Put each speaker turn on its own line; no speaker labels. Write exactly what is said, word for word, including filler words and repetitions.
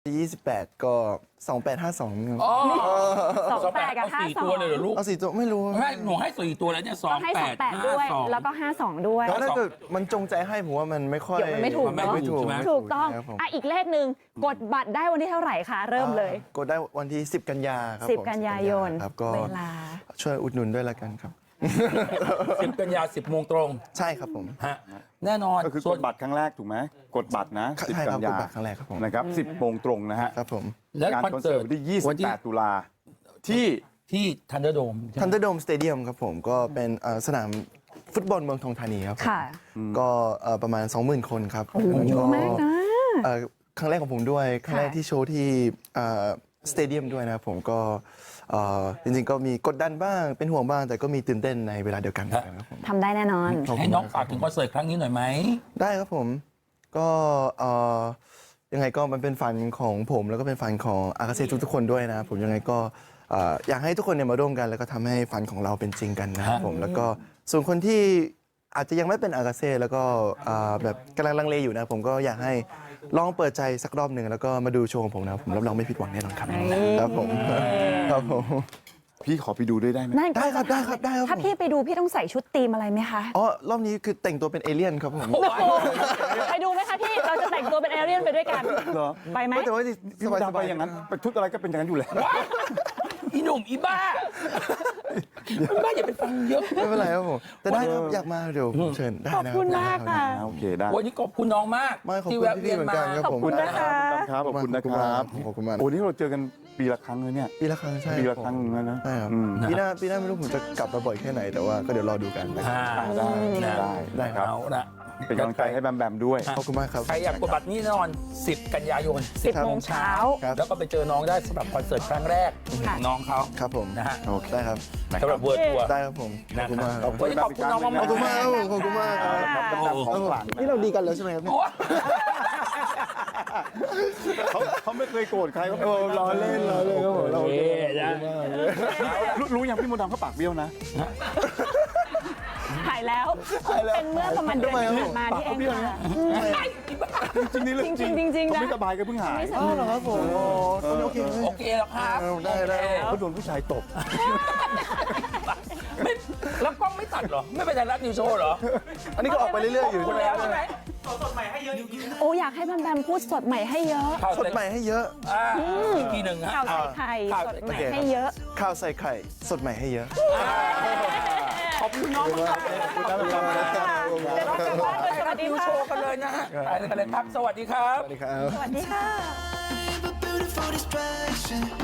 ยี่สิบแปดก็สองแปดห้าสอง
อ๋อ
สองแปดกับห้า
สี่
สอ
ตัว
ง
เลยเหรอลูก
เอาสี่ตัวไม่รู้
ไม่หนูให้สี่ตัวแล้วเนี่ยสอง
ให้
แป
สอง
ด
แปด
ห้า
ด้วย
สอง
แล้วก็ห้าสองด้วย
แล้วถ้าเกิดมันจงใจให้ผมว่ามันไม่ค่อย
เดี๋ยวมันไม่ถูก
มันไม่ถูกใช่ไหม
ถูกต้อง
ครับผม
อ่ะอีกเลขหนึ่งกดบัตรได้วันที่เท่าไหร่คะเริ่มเลย
กดได้วันที่สิบกันยาครับ
สิบ
ผม
กันยายน
ครับก็
เวลา
ช่วยอุดหนุนด้วยละกันครับ
สิบกันยาสิบโมงตรง
ใช่ครับผม
ฮะแน่นอน
ก็คือก
ส่ว
ด
น
บัตรครั้งแรกถูกไหมกดบัตรนะสิบ
ใช่ค
กั
รับ
น
กด
ยา
บัตรครั้งแรกครับผม
นะครับสิบโมงตรงนะฮะ
ครับผม
และ
งาน
คอน
คอน
เสิ
เสิ
ร์
ร์
ต
ตวันที่ยี่สิ
วั
บ
นที่
แปดตุลาที่
ที่ทันเดอร์โดม
ทันเดอร์โดมสเตเดียมครับผมก็เป็นเอ่อสนามฟุตบอลเมืองทองธานีครับผม
ค่ะ
ก็เอ่อประมาณ สองหมื่น คนครับ
โอ้โหเยอะมากนะ
เอ่อครั้งแรกของผมด้วยครั้งแรก
ค่ะ
ที่โชว์ที่สเตเดียมด้วยนะครับผมก็เอ่อจริงๆก็มีกดดันบ้างเป็นห่วงบ้าง แต่ก็มีตื่นเต้นในเวลาเดียวกันครับผม
ทำได้แน่นอน
ขอบคุณ
ให้น้อง
มากค
ฝา
รั
ก
บ
ถึงคอนเสิร์ตครั้งนี้หน่อยไหม
ได้ครับผมก็เอ่อยังไงก็มันเป็นฝันของผมแล้วก็เป็นฝันของอากาเซ่ทุกๆคนด้วยนะครับผมยังไงก็เอ่ออยากให้ทุกคนเนี่ยมาร่วมกัน แล้วก็ทำให้ฝันของเราเป็นจริงกันนะครับผมแล้วก็ส่วนคนที่อาจจะยังไม่เป็นอากาเซ่แล้วก็เอ่อแบบกำลังลังเลอยู่นะผมก็อยากให้ลองเปิดใจสักรอบหนึ่งแล้วก็มาดูโชว์ของผมนะครับผมรับรองไม่ผิดหวังแน่นอนครับครับผมครับผม
พี่ขอไปดูด้วยได้ไหม
นั่น
ได้ครับได้ครับได้ครับ
ถ้าพี่ไปดูพี่ต้องใส่ชุดธีมอะไรไหมคะ
อ๋อรอบนี้คือแต่งตัวเป็นเอเลี่ยนครับผม
ไปดูไหมคะพี่ เราจะแต่งตัวเป็นเอเลี่ยนไปด้วยกัน
เหรอ
ไปไหม
แต่ว่า
พี่
ส
ม
บาย
ด
ส
ดำไป
บาย
อย่างนั้นไปชุดอะไรก็เป็นอย่างนั้นอยู่แล้ว
อีหนุ่มอีบ้าอีบ้าอย่าไปฟังเยอะ
ไม่เป็นไรครับผมแต่ได้ครับอยากมาเดี๋ยวผมเชิญได้
ขอบ
นะ
คุณมากค่ะ
โอเคได้
วันนี้ขอบคุณน้องมาก
ไม่ขอบ
ที่
คุณ
แวะ
พี่
เวียน
ๆเหมือน
มา
กันครับ
ขอบ
ผม
คุณนะคะ
ครับขอบคุณนะครับ
ขอบคุณมาก
โอ้นี่เราเจอกันปีละครั้งเลยเนี่ย
ปีละครั้งใช่
ปีละครั้งนะนะ
ใช่ครับ
อืม
ปีหน้าปีหน้าไม่รู้ผมจะกลับมาบ่อยแค่ไหนแต่ว่าก็เดี๋ยวรอดูกันนะครับ
อ่า
ได้ได้
นะ
ได้ครับ
เอาละ
เป็นกำลังใจให้แบมแบมด้วย
ขอบคุณมากครับ
ใครอยากกดบัตรนี่แน่นอนสิบกันยายน
สิบ
ครับ
โมงเช้า
ครับ
แล้วก็ไปเจอน้องได้สำหรับคอนเสิร์ตครั้งแรกของน้องเขา
ครับผม
นะฮะ
โอเคได้ครับ
สำหรับเวิร์ดทัวร์
ได้ครับผมขอบคุณมากครับ
วันนี้ขอบคุณน้องมาก
ขอบคุณมากครับผมขอบคุณมากครับ
ครับแบมแบมของขลัง
นี่เราดีกันแล้วใช่ไหมครับเนี่ย
โอ้
เขาเขาไม่เคยโกรธใครเขา
โอ้ล้อเล่นล้อเล่นครับผมเรา
โอเคนะ
รู้รู้ยังพี่มดดำเขาปากเบี้ยวนะ
หายแล้วเป็นเมื่อประมาณเดือนที่ผ่านมาที่เองค่ะ
จริงๆนี่เรื่องจริง
จริงๆจริงๆนะ
เขาไม่สบายก็เพิ่งหาย
ไม่ส
อ๋
บา
อย เหรอครับผมโอ้โอเค
โอเคแล้วครับ
ได้ได้
เขาโดนผู้ชายตบ
ไม่แล้วกล้องไม่ตัดเหรอ ไม่เป็นไทยรัฐนิวโชว์เหรอ
อันนี้ก็ออกไปเรื่อยๆอยู่
คุณ
ใช่ไหม
แล้วใช่ไหม
โอ้อยากให้แบมแบมพูดสดใหม่ให้เยอะ
ข่าว
สดใหม่ให้เยอะ
อ่าอีกทีหนึ่งฮะ
ข่าวใส่ไข่
ข่าว
สด
ใส่
ใหม่
ไข่
ให้เยอะ
ข้าวใส่ไข่สดใหม่ให้เยอะ
ขอบคุณน้องมากเลย
ขอบคุณค่ะเดี๋ยวเราจะว่ากันสวัสดี
นิว
ค่ะ
โชว์กันเลยนะฮะไปเลยกันเลยครับ สวัสดีครับ
สวัสดีครับ
สวัสดีค่ะ
I'm a beautiful distraction.